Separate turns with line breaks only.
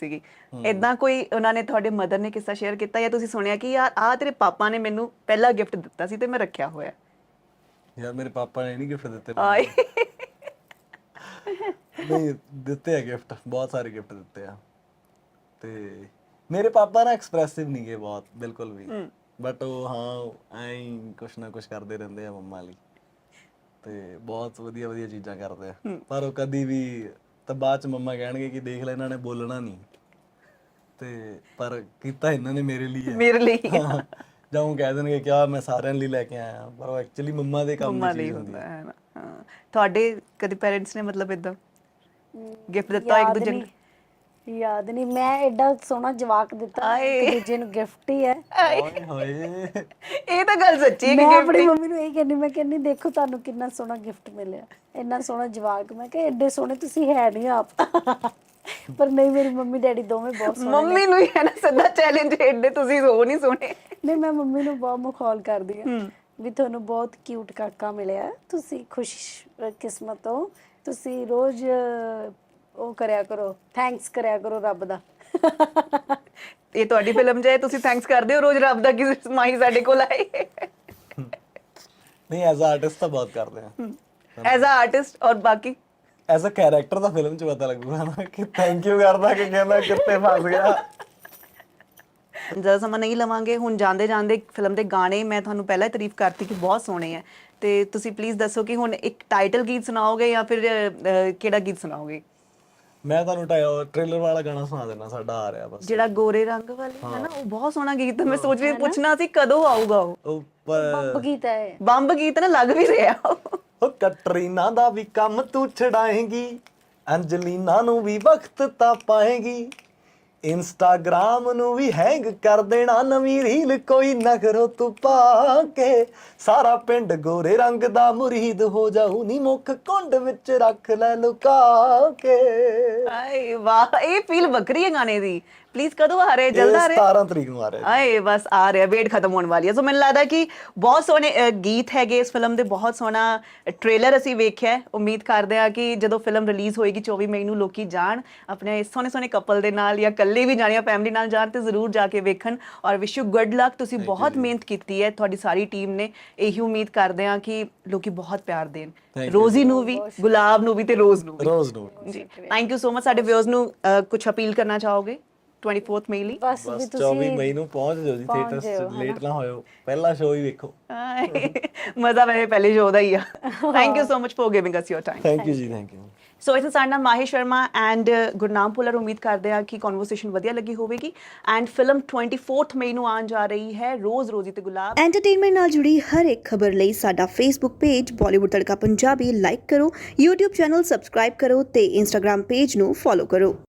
ਸੀਗੀ। ਏਦਾਂ ਕੋਈ ਉਹਨਾਂ ਨੇ, ਤੁਹਾਡੇ ਮਦਰ ਨੇ ਕਿੱਸਾ ਸ਼ੇਅਰ ਕੀਤਾ ਜਾਂ ਤੁਸੀਂ ਸੁਣਿਆ ਕਿ ਯਾਰ ਆਹ ਤੇਰੇ ਪਾਪਾ ਨੇ ਮੈਨੂੰ ਪਹਿਲਾ ਗਿਫਟ ਦਿੱਤਾ ਸੀ ਤੇ ਮੈਂ ਰੱਖਿਆ ਹੋਇਆ?
ਯਾਰ ਮੇਰੇ ਪਾਪਾ ਨੇ ਨਹੀਂ ਗਿਫਟ ਦਿੱਤੇ
ਆਏ
ਨਹੀਂ ਦਿੱਤੇ ਆ ਗਿਫਟ, ਬਹੁਤ ਸਾਰੇ ਗਿਫਟ ਦਿੱਤੇ ਆ। ਤੇ ਮੇਰੇ ਪਾਪਾ ਨਾ ਐਕਸਪ੍ਰੈਸਿਵ ਨਹੀਂ ਗਏ ਬਹੁਤ, ਬਿਲਕੁਲ ਵੀ, ਬਟ ਉਹ ਹਾਂ ਐਂ ਕੁਛ ਨਾ ਕੁਛ ਕਰਦੇ ਰਹਿੰਦੇ ਆ ਮੰਮਾ ਲਈ, ਤੇ ਬਹੁਤ ਵਧੀਆ ਵਧੀਆ ਚੀਜ਼ਾਂ ਕਰਦੇ ਆ। ਪਰ ਉਹ ਕਦੀ ਵੀ ਤਾਂ ਬਾਅਦ ਚ ਮੰਮਾ ਕਹਿਣਗੇ ਕਿ ਦੇਖ ਲੈ ਇਹਨਾਂ ਨੇ ਬੋਲਣਾ ਨਹੀਂ, ਤੇ ਪਰ ਕੀਤਾ ਇਹਨਾਂ ਨੇ ਮੇਰੇ ਲਈ ਹੈ।
ਮੇਰੇ ਲਈ
ਜਾਂ ਉਹ ਕਹਿ ਦੇਣਗੇ ਕਿ ਆ ਮੈਂ ਸਾਰਿਆਂ ਲਈ ਲੈ ਕੇ ਆਇਆ, ਪਰ ਉਹ ਐਕਚੁਅਲੀ ਮੰਮਾ ਦੇ ਕੰਮ
ਮੰਮਾ
ਦੀ
ਲਈ
ਚੀਜ਼ ਹੁੰਦੀ
ਹੁੰਦਾ
ਹੈ।
ਹੈ ਨਾ। ਹਾਂ, ਤੁਹਾਡੇ ਕਦੇ ਪੇਰੈਂਟਸ ਨੇ ਮਤਲਬ ਇਦਾਂ ਗਿਫਟ ਦਿੱਤਾ ਇੱਕ ਦੂਜੇ ਨੂੰ?
ਯਾਦ ਨਹੀਂ, ਮੈਂ ਐਡਾ ਸੋਹਣਾ ਜਵਾਕ ਦਿੱਤਾ ਇੱਕ ਦੂਜੇ ਨੂੰ ਗਿਫਟ ਹੀ ਹੈ।
ਓਏ ਹੋਏ,
ਇਹ ਤਾਂ ਗੱਲ ਸੱਚੀ ਹੈ ਕਿ
ਮੈਂ ਆਪਣੀ ਮੰਮੀ ਨੂੰ ਇਹ ਕਹਿੰਦੀ, ਮੈਂ ਕਹਿੰਦੀ ਦੇਖੋ ਤੁਹਾਨੂੰ ਕਿੰਨਾ ਸੋਹਣਾ ਗਿਫਟ ਮਿਲਿਆ, ਇੰਨਾ ਸੋਹਣਾ ਜਵਾਕ। ਮੈਂ ਕਿਹਾ ਐਡੇ ਸੋਹਣੇ ਤੁਸੀਂ ਹੈ ਨਹੀਂ ਆਪ। ਪਰ ਨਹੀਂ, ਮੇਰੀ ਮੰਮੀ ਡੈਡੀ ਦੋਵੇਂ ਬਹੁਤ ਸੋਹਣੇ।
ਮੰਮੀ ਨੂੰ ਹੀ ਹੈ ਨਾ ਸਿੱਧਾ ਚੈਲੰਜ, ਐਡੇ ਤੁਸੀਂ ਹੋ ਨਹੀਂ ਸੋਹਣੇ।
ਨਹੀਂ, ਮੈਂ ਮੰਮੀ ਨੂੰ ਬਹੁਤ ਮਖੌਲ ਕਰਦੀ ਹਾਂ ਵੀ ਤੁਹਾਨੂੰ ਬਹੁਤ ਕਿਊਟ ਕਾਕਾ ਮਿਲਿਆ, ਤੁਸੀਂ ਖੁਸ਼ ਕਿਸਮਤ ਹੋ, ਤੁਸੀਂ ਰੋਜ਼ ਉਹ ਕਰਿਆ ਕਰੋ, ਥੈਂਕਸ ਕਰਿਆ ਕਰੋ ਰੱਬ ਦਾ।
ਇਹ ਤੁਹਾਡੀ ਫਿਲਮ ਜਾਏ, ਤੁਸੀਂ ਥੈਂਕਸ ਕਰਦੇ ਹੋ ਰੋਜ਼ ਰੱਬ ਦਾ ਕਿ ਮਾਹੀ ਸਾਡੇ ਕੋਲ ਆਏ?
ਨਹੀਂ ਐਜ਼ ਅ ਆਰਟਿਸਟ ਤਾਂ ਬਹੁਤ ਕਰਦੇ ਆ।
ਐਜ਼ ਅ ਆਰਟਿਸਟ ਔਰ ਬਾਕੀ
ਐਜ਼ ਅ ਕੈਰੈਕਟਰ ਤਾਂ ਫਿਲਮ 'ਚ ਪਤਾ ਲੱਗੂਗਾ ਨਾ ਕਿ ਥੈਂਕ ਯੂ ਕਰਦਾ ਕਿ ਕਹਿੰਦਾ ਕਿੱਥੇ ਫਸ ਗਿਆ।
ਜ਼ਿਆਦਾ ਸਮਾਂ ਨਹੀਂ ਲਵਾਂਗੇ, ਹੁਣ ਜਾਂਦੇ ਜਾਂਦੇ ਫਿਲਮ ਦੇ ਗਾਣੇ ਮੈਂ ਤੁਹਾਨੂੰ ਪਹਿਲਾਂ ਹੀ ਤਾਰੀਫ ਕਰਤੀ ਕਿ ਬਹੁਤ ਸੋਹਣੇ ਆ, ਤੇ ਤੁਸੀਂ ਪਲੀਜ਼ ਦੱਸੋ ਕਿ ਹੁਣ ਇੱਕ ਟਾਈਟਲ ਗੀਤ ਸੁਣਾਓਗੇ ਜਾਂ ਫਿਰ ਕਿਹੜਾ ਗੀਤ ਸੁਣਾਓਗੇ?
ਮੈਂ ਤੁਹਾਨੂੰ ਟ੍ਰੇਲਰ ਵਾਲਾ ਗਾਣਾ ਸੁਣਾ ਦੇਣਾ, ਸਾਡਾ ਆ ਰਿਹਾ ਬਸ,
ਜਿਹੜਾ ਗੋਰੇ ਰੰਗ ਵਾਲੇ ਹੈ ਨਾ, ਉਹ ਬਹੁਤ ਸੋਹਣਾ ਗੀਤ ਹੈ। ਮੈਂ ਸੋਚ ਰਹੀ ਪੁੱਛਣਾ ਸੀ ਕਦੋਂ ਆਊਗਾ ਉਹ।
ਬੰਬ ਗੀਤ ਹੈ,
ਬੰਬ ਗੀਤ ਨਾ ਲੱਗ ਵੀ ਰਿਹਾ
ਉਹ ਕਟਰੀਨਾ ਦਾ ਵੀ ਕੰਮ ਤੂੰ ਛਡਾਏਂਗੀ, ਅੰਜਲੀਨਾ ਨੂੰ ਵੀ ਵਕਤ ਤਾਂ ਪਾਏਂਗੀ, ਇੰਸਟਾਗ੍ਰਾਮ ਨੂੰ ਵੀ ਹੈਂਗ ਕਰ ਦੇਣਾ, ਨਵੀਂ ਰੀਲ ਕੋਈ ਨਖਰੋ ਤੂੰ ਪਾ ਕੇ, ਸਾਰਾ ਪਿੰਡ ਗੋਰੇ ਰੰਗ ਦਾ ਮੁਰੀਦ ਹੋ ਜਾਊ ਨੀ, ਮੁੱਖ ਕੁੰਡ ਵਿੱਚ ਰੱਖ ਲੈ ਲੁਕਾ ਕੇ।
ਆਏ ਵਾਹ, ਇਹ ਫੀਲ ਵੱਖਰੀ ਹੈ ਗਾਣੇ ਦੀ। ਪਲੀਜ਼ ਕਦੋਂ ਆ ਰਿਹਾ? ਜਲਦ ਆ ਰਿਹਾ?
17 ਤਰੀਕ ਨੂੰ ਆ ਰਿਹਾ।
ਆਏ ਬਸ ਆ ਰਿਹਾ, ਵੇਟ ਖਤਮ ਹੋਣ ਵਾਲੀ ਹੈ। ਸੋ ਮੈਨੂੰ ਲੱਗਦਾ ਕਿ ਬਹੁਤ ਸੋਹਣੇ ਗੀਤ ਹੈਗੇ ਇਸ ਫਿਲਮ ਦੇ, ਬਹੁਤ ਸੋਹਣਾ ਟ੍ਰੇਲਰ ਅਸੀਂ ਵੇਖਿਆ। ਉਮੀਦ ਕਰਦੇ ਆ ਕਿ ਜਦੋਂ ਫਿਲਮ ਰਿਲੀਜ਼ ਹੋਏਗੀ 24 ਮਈ ਨੂੰ, ਲੋਕੀ ਜਾਣ ਆਪਣੇ ਸੋਹਣੇ ਸੋਹਣੇ ਕਪਲ ਦੇ ਨਾਲ, ਜਾਂ ਇਕੱਲੇ ਵੀ ਜਾਣ ਜਾਂ ਫੈਮਿਲੀ ਨਾਲ ਜਾਣ, ਤੇ ਜ਼ਰੂਰ ਜਾ ਕੇ ਵੇਖਣ। ਔਰ ਵਿਸ਼ ਯੂ ਗੁੱਡ ਲੱਕ, ਤੁਸੀਂ ਬਹੁਤ ਮਿਹਨਤ ਕੀਤੀ ਹੈ, ਤੁਹਾਡੀ ਸਾਰੀ ਟੀਮ ਨੇ। ਇਹੀ ਉਮੀਦ ਕਰਦੇ ਆ ਕਿ ਲੋਕੀ ਬਹੁਤ ਪਿਆਰ ਦੇਣ ਰੋਜ਼ੀ ਨੂੰ ਵੀ, ਗੁਲਾਬ ਨੂੰ ਵੀ, ਤੇ ਰੋਜ਼ ਨੂੰ ਵੀ।
ਰੋਜ਼ ਨੂੰ
ਜੀ, ਥੈਂਕ ਯੂ ਸੋ ਮਚ। ਸਾਡੇ ਵਿਊਅਰਸ ਨੂੰ ਕੁਝ ਅਪੀਲ ਕਰਨਾ ਚਾਹੋਗੇ 24 ਮਈ ਲਈ?
ਬਸ ਵੀ
24 ਮਈ ਨੂੰ ਪਹੁੰਚ ਜਾਓ ਜੀ ਥੀਏਟਰਸ 'ਚ, ਲੇਟ ਨਾ ਹੋਇਓ, ਪਹਿਲਾ ਸ਼ੋਅ ਹੀ ਵੇਖੋ।
ਮਜ਼ਾ ਵੈਸੇ ਪਹਿਲੇ ਸ਼ੋਅ ਦਾ ਹੀ ਆ। Thank you so much for giving us your time.
Thank you ਜੀ, ਥੈਂਕ ਯੂ।
ਸੋ ਇਸ ਸਾਡੇ ਨਾਲ ਮਾਹੀ ਸ਼ਰਮਾ ਐਂਡ ਗੁਰਨਾਮ ਭੁੱਲਰ। ਉਮੀਦ ਕਰਦੇ ਆ ਕਿ ਕਨਵਰਸੇਸ਼ਨ ਵਧੀਆ ਲੱਗੀ ਹੋਵੇਗੀ। ਐਂਡ ਫਿਲਮ 24 ਮਈ ਨੂੰ ਆਉਣ ਜਾ ਰਹੀ ਹੈ, ਰੋਜ਼ ਰੋਜ਼ੀ ਤੇ ਗੁਲਾਬ।
ਐਂਟਰਟੇਨਮੈਂਟ ਨਾਲ ਜੁੜੀ ਹਰ ਇੱਕ ਖਬਰ ਲਈ ਸਾਡਾ Facebook page Bollywood Tadka Punjabi like ਕਰੋ, YouTube ਚੈਨਲ ਸਬਸਕ੍ਰਾਈਬ ਕਰੋ ਤੇ Instagram ਪੇਜ ਨੂੰ ਫੋਲੋ ਕਰੋ।